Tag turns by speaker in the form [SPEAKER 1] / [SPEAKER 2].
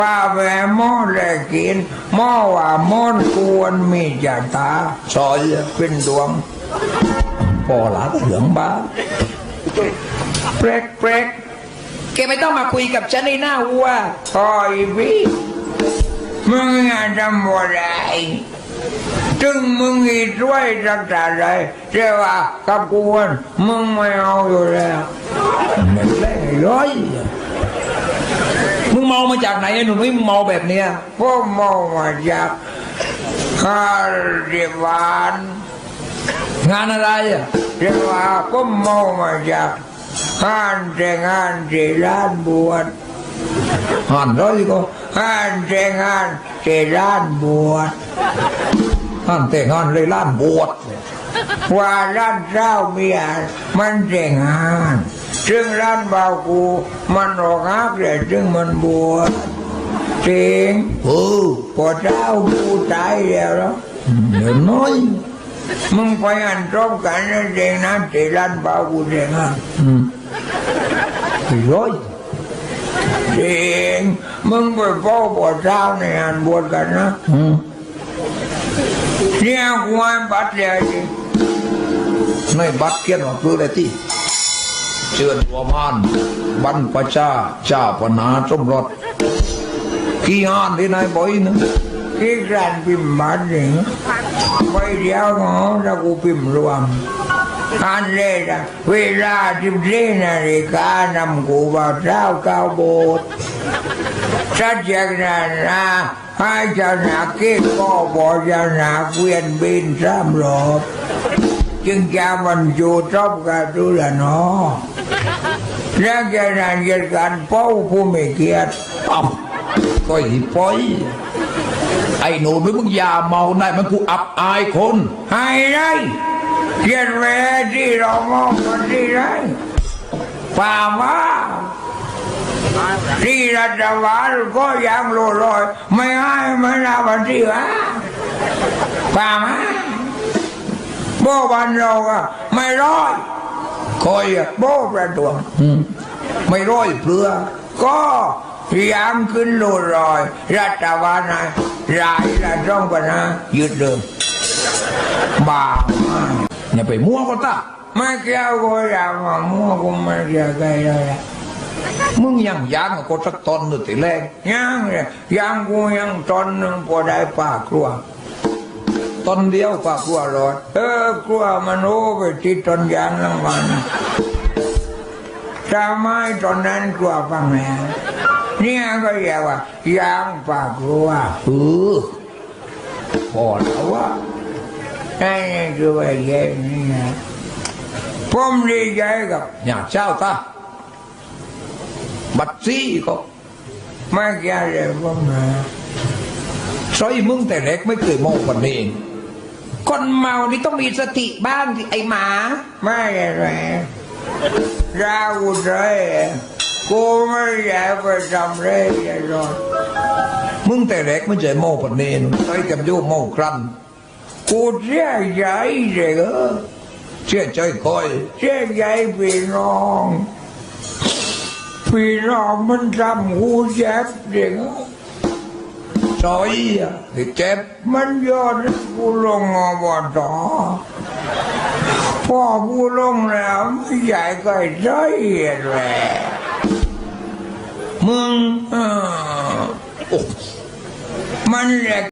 [SPEAKER 1] ป้าแหวหม้อแลกินหม้อว่าม้อนกวนมีจ่าตาซอยเป็นดวงพอหลาเหลืองบ้าเปรกเปรกแกไม่ต้องมาคุยกับฉันในหน้าวัวคอยพี่มึงงานทำอะไรจึงมึงอีด้วยรักษาอะไรเจ้าว่ากับกวนมึงไม่เอาอยู่แล้วไม่เล่นร้อยมึงเมามาจากไหนไอ้หนุ่มไม่เมาแบบเนี้ยพวกเมามาจากคาริวานงานอะไรอ่ะเรียกว่าก็เมามาจากงานแต่งงานที่ร้านบวชงานร้อยก็งานแต่งงานที่ร้านบวชงานแต่งงานเลยร้านบวชว่าร้านเจ้าเมียมันแต่งงานซึ่งร้านบ่าวกูมันออกฮักเลยซึ่งมันบวชจริงพอเจ้ากูตายแล้วเดี๋ยวน้อยมึงไปอันตรงกันนะเองนะที่ร้านบ่าวกูแต่งงานร้อยจริงมึงไปพ่อบวชเจ้าในอันบวชกันนะเนี่ยกูให้บัตรเลยจริงในบัตรเขียนว่าคืออะไรที่เชิญหัวมานบรรพชาเจ้าปนาสมรสกี่งานที่นายบ่อยนะกี่การพิมพ์บัตรเนี่ยไปเดียวเนาะแล้วกูพิมพ์รวมอันเลยนะเวลา14 นาฬิกานำกูบ่าวเจ้าเข้าโบสถ์สัจจากนั้นนะให้เจ้าหน้าที่ก็บอกเจ้าหน้าเกวียนบิน3 รอบจึงจะมันอยู่จบกันดูแลเนาะแล้วจะนานจะการเป้าผู้ไม่เกียรติก็หิปอยไอ้หนูมึงอย่าเมาได้มันกูอับอายคนให้ได้เกียรติเวทีเรามองกันที่ไรป่ามาที่รัฐบาลก็ยังโลลอยไม่ให้ไม่รับวันที่วะป่ามาโบวันเราอะไม่ร้อยคอยโบประดวงไม่ร้อยเพื่อก็ยังขึ้นโลลอยรัฐบาลนะรายละต้องกันนะยืดเดิมบ้าอย่าไปมั่วก็ตาไม่เกี่ยวก็อย่ามามั่วก็ไม่เกี่ยวกันเลยมึงยังก็สักตอนนึงทีแรกยังกูยังตอนนึงพอได้ป่าครัวตอนเดียวป่าครัวรอดครัวมันโอ้ไปติดตอนยางรางวัลทำไมตอนนั้นครัวฟังแม่เนี่ยก็เรียกว่ายางป่าครัวพอแล้วว่านี่คือว่าแย่นี่นะผมดีใจกับอยากเจ้าตาบัดซี่ก็ไม่แก่เลยผมนะซอยมึงแต่เล็กไม่เคยมองคนนี้คนเมานี่ต้องมีสติบ้างไอ้หมาไม่อะไรเราเลยกูไม่อยากไปทำเลยหรอกมึงแต่เล็กไม่เคยมองคนนี้ซอยกับโยมมองครั้นกูเสียใจเลยเสียใจคอยเสียใจพี่น้องมันทำกูเจ็บเด็กซอยที่เจ็บมันยอดกูลงอบตพอกูลงแล้วไม่ใหญ่ก็ใจแหละมึงมันแหลก